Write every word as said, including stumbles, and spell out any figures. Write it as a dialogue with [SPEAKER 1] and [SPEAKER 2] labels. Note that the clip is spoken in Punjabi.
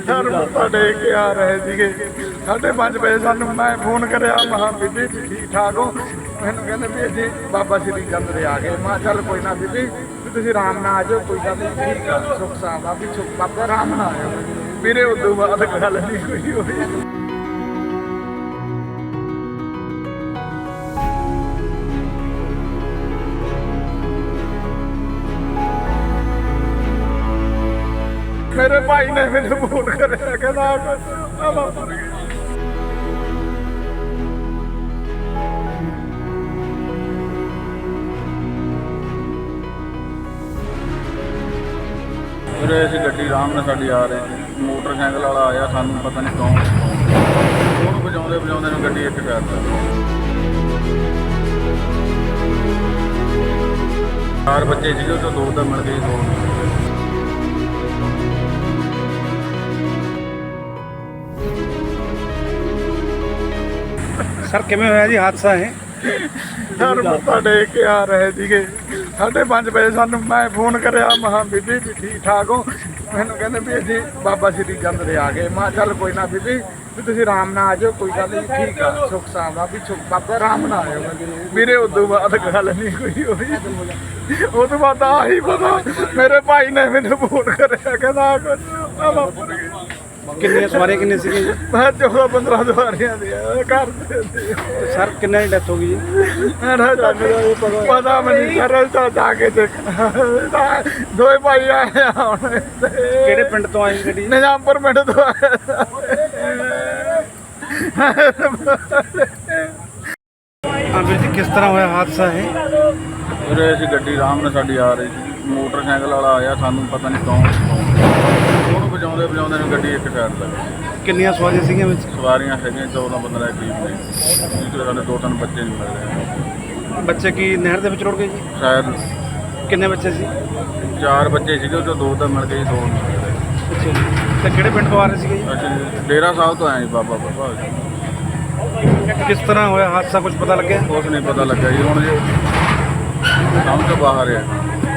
[SPEAKER 1] ਸਰ ਮੱਥਾ ਟੇਕ ਕੇ ਆ ਰਹੇ ਸੀਗੇ ਸਾਢੇ ਪੰਜ ਵਜੇ ਸਾਨੂੰ ਮੈਂ ਫੋਨ ਕਰਿਆ ਮਹਾ ਬੀਬੀ ਵੀ ਠੀਕ ਠਾਕ ਹੋ। ਮੈਨੂੰ ਕਹਿੰਦੇ ਵੀ ਅਸੀਂ ਬਾਬਾ ਸ਼੍ਰੀ ਚੰਦ ਦੇ ਆ ਗਏ। ਮੈਂ ਚੱਲ ਕੋਈ ਨਾ ਬੀਬੀ ਵੀ ਤੁਸੀਂ ਆਰਾਮ ਨਾਲ ਆ ਜਾਓ, ਕੋਈ ਗੱਲ ਨਹੀਂ, ਠੀਕ ਆ, ਸੁੱਖ ਸਾਂਦ ਆ ਵੀ ਸੁੱਖ ਬਾਬਾ ਆਰਾਮ ਨਾਲ ਆਇਓ ਵੀਰੇ। ਉਦੋਂ ਬਾਅਦ ਗੱਲ ਨਹੀਂ ਕੋਈ ਹੋਈ। मेरे भाई ने मैंने फोन कर कहना वापर गया।
[SPEAKER 2] ਵੀਰੇ ਅਸੀਂ ਗੱਡੀ ਆਰਾਮ ਨਾਲ ਸਾਡੀ ਆ ਰਹੇ ਸੀ, ਮੋਟਰਸਾਈਕਲ ਵਾਲਾ ਆਇਆ, ਸਾਨੂੰ ਪਤਾ ਨਹੀਂ ਕੌਣ ਉਹਨੂੰ ਵਜਾਉਂਦੇ ਵਜਾਉਂਦੇ ਨੂੰ ਗੱਡੀ ਇੱਥੇ ਕਰ ਦਿੱਤੀ। ਚਾਰ ਬੱਚੇ ਸੀਗੇ, ਉਹ ਤੋਂ ਦੋ ਤਾਂ ਮਿਲ ਗਏ, ਦੋ
[SPEAKER 3] सर किमें होया जी हादसा है?
[SPEAKER 1] सर मत्था टेक के आ रहे थे साढ़े पाँच बजे सानू मैं फोन करिया महा बीबी भी ठीक ठाक हो। मैनू कहते भी असीं बाबा श्री चंद दे आ गए। मैं चल कोई ना बीबी भी तुसीं आराम नाल आ जाओ, कोई गल नहीं, ठीक आ, सुख सांद आ भी सुख बाबा आराम नाल आयो वीरे। उदों बाद गल नहीं कोई होई। उस तो बाद आही पता मेरे भाई ने मैनू फोन करिया कहना वापर गया।
[SPEAKER 3] कितने सवारी कितने सी जी?
[SPEAKER 1] मैं चौदह पंद्रह सवारियां दी घर
[SPEAKER 3] सर किन्ने की डेथ हो गई जी?
[SPEAKER 1] पता नहीं सर, जाके देखना। दो भाई आए
[SPEAKER 3] किहड़े पिंड तो आई गड्डी?
[SPEAKER 1] निजामपुर पिंड तो आए।
[SPEAKER 3] हाँ वीर जी, किस तरह होया हादसा है?
[SPEAKER 2] ਵੀਰੇ ਅਸੀਂ ਗੱਡੀ ਆਰਾਮ ਨਾਲ ਸਾਡੀ ਆ ਰਹੀ ਸੀ, ਮੋਟਰਸਾਈਕਲ ਵਾਲਾ ਆਇਆ, ਸਾਨੂੰ ਪਤਾ ਨਹੀਂ ਕੌਣ ਉਹਨੂੰ ਵਜਾਉਂਦੇ ਵਜਾਉਂਦੇ ਨੂੰ ਗੱਡੀ ਇੱਥੇ ਕਰ ਦਿੱਤੀ।
[SPEAKER 3] ਕਿੰਨੀਆਂ ਸਵਾਰੀਆਂ ਸੀਗੀਆਂ ਵਿੱਚ?
[SPEAKER 2] ਸਵਾਰੀਆਂ ਹੈਗੀਆਂ ਚੌਦਾਂ ਪੰਦਰਾਂ ਦੇ ਕਰੀਬ ਨੇ, ਜਿਹਦੇ ਸਾਡੇ ਦੋ ਤਿੰਨ ਬੱਚੇ ਨਹੀਂ ਮਿਲ ਰਹੇ।
[SPEAKER 3] ਬੱਚੇ ਕੀ ਨਹਿਰ ਦੇ ਵਿੱਚ ਰੁੜ ਗਏ ਜੀ?
[SPEAKER 2] ਸ਼ਾਇਦ
[SPEAKER 3] ਕਿੰਨੇ ਬੱਚੇ ਸੀ?
[SPEAKER 2] ਚਾਰ ਬੱਚੇ ਸੀਗੇ, ਉਹ 'ਚੋਂ ਦੋ ਤਾਂ ਮਿਲ ਗਏ, ਦੋ ਨਹੀਂ ਮਿਲ ਰਹੇ।
[SPEAKER 3] ਅੱਛਾ ਜੀ। ਤੇ ਕਿਹੜੇ ਪਿੰਡ ਤੋਂ ਆ ਰਹੇ ਸੀਗੇ ਜੀ?
[SPEAKER 2] ਅਸੀਂ ਡੇਰਾ ਸਾਹਿਬ ਤੋਂ ਆਏ ਜੀ, ਬਾਬਾ ਬਾਬਾ।
[SPEAKER 3] ਕਿਸ ਤਰ੍ਹਾਂ ਹੋਇਆ ਹਾਦਸਾ, ਕੁਝ ਪਤਾ ਲੱਗਿਆ?
[SPEAKER 2] ਕੁਛ ਨਹੀਂ ਪਤਾ ਲੱਗਾ ਜੀ, ਹੁਣ ਜੀ ਸਮਝ ਤੋਂ ਬਾਹਰ ਹੈ।